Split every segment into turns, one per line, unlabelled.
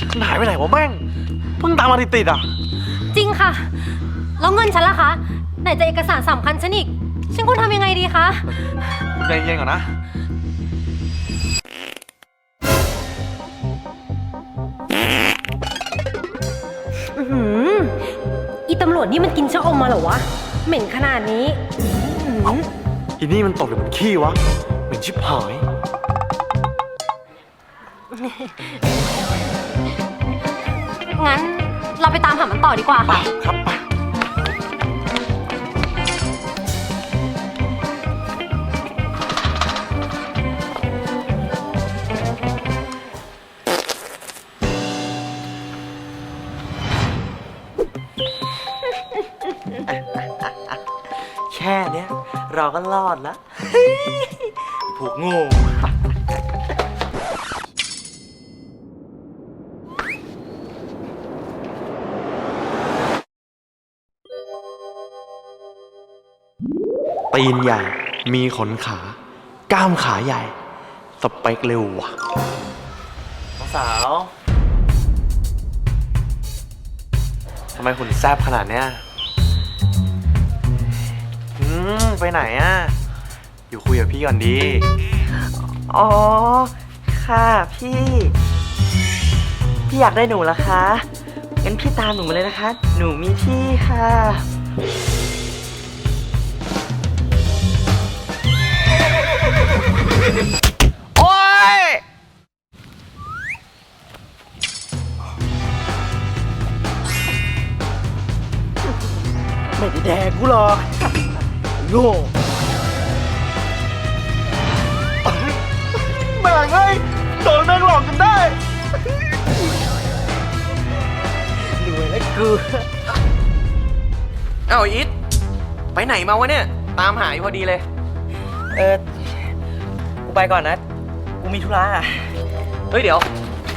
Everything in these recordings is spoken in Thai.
มันหายไปไหนวะแม่งเพิ่งตามมาติดๆอ่ะ
จริงค่ะแล้วเงินฉันล่ะคะไหนจะเอกสารสำคัญฉันอีกฉันควรทำยังไงดีคะ
ใจเย็นก่อนนะ
อีตำรวจนี่มันกินชะอมมาเหรอวะเหม็นขนาดนี้
อีนี่มันตกหรือมันขี้วะเหม็นชิบหาย
งั้นเราไปตามหามันต่อดีกว่าค่ะ
ครับไปแค่เนี้ยเราก็รอดแล้วพวกโง่ตีนใหญ่มีขนขากล้ามขาใหญ่สเปคเร็วว่ะน้องสาวทำไมหุ่นแซ่บขนาดเนี้ยไปไหนอ่ะอยู่คุยกับพี่ก่อนดี
อ๋อค่ะพี่อยากได้หนูเหรอคะงั้นพี่ตามหนูมาเลยนะคะหนูมีที่ค่ะ
โอ๊ยไม่ได้แดกกูหรอกโง่แม่งเอ้ยโดนแม่งหลอกจนได้รวยแล้วกู
เอ้าอิทไปไหนมาวะเนี่ยตามหาอยู่พอดีเลย
กูไปก่อนนะกูมีธุระ
เฮ้ยเดี๋ยว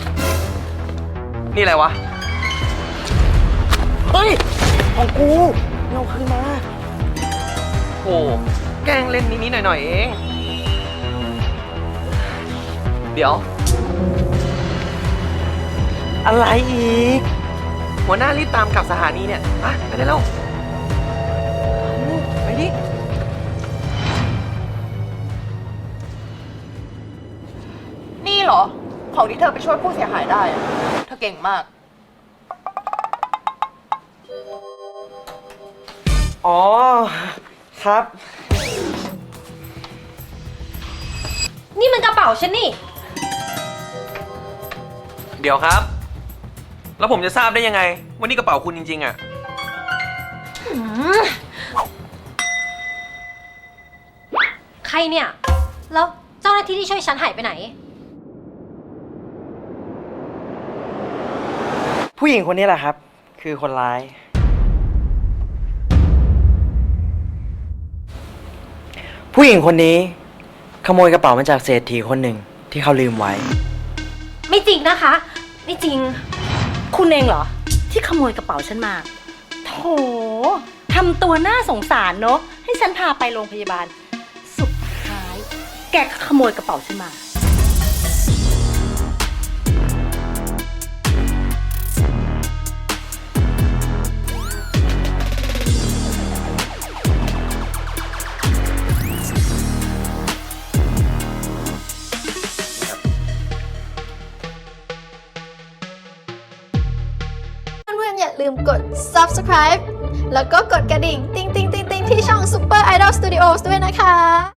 นี่อะไรวะ
เฮ้ยของกูเอาคืนมา
โอ้แกล้งเล่นนิดๆหน่อยๆเองเดี๋ยว
อะไรอีก
หัวหน้ารีบตามกลับสถานีเนี่ยไปได้แล้วไปดิ
นี่เหรอของที่เธอไปช่วยผู้เสียหายได้อะเธอเก่งมาก
อ๋อครับ
นี่มันกระเป๋าฉันนี่
เดี๋ยวครับแล้วผมจะทราบได้ยังไงว่านี่กระเป๋าคุณจริงๆอ่ะ
ใครเนี่ยแล้วเจ้าหน้าที่ที่ช่วยฉันหายไปไหน
ผู้หญิงคนนี้แหละครับคือคนร้ายผู้หญิงคนนี้ขโมยกระเป๋ามาจากเศรษฐีคนหนึ่งที่เขาลืมไว้
ไม่จริงนะคะไม่จริง
คุณเองเหรอที่ขโมยกระเป๋าฉันมาโถทำตัวน่าสงสารเนอะให้ฉันพาไปโรงพยาบาลสุดท้ายแกก็ขโมยกระเป๋าฉันมา
อย่าลืมกด subscribe แล้วก็กดกระดิ่ง ติ๊งๆๆๆที่ช่อง Super Idol Studios ด้วยนะคะ